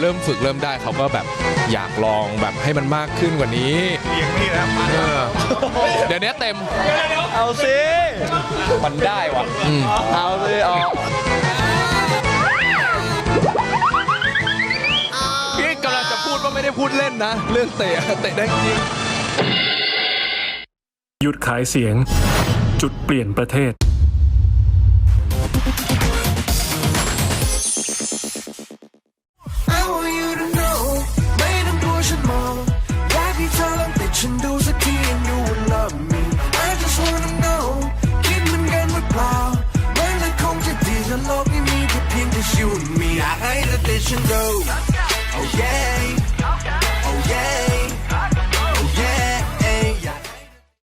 เริ่มฝึกเริ่มได้เขาก็แบบอยากลองแบบให้มันมากขึ้นกว่านี้เลี้ยงนี่นะเดี๋ยวนี้เต็มเอาสิมันได้ว่ะเอาสิเอาพี่กำลังจะพูดว่าไม่ได้พูดเล่นนะ เรื่องเตะได้จริงหยุดขายเสียง จุดเปลี่ยนประเทศ I want you to know ไม่ต้องกลัวฉันมองอยากให้เธอลองติดฉันดูสักที and you will love me I just wanna know คิดเหมือนกันหรือเปล่ามันจะคงจะดีถ้าโลกนี้มีแค่เพียงแต่ you and me อยากให้เธอติดฉันดู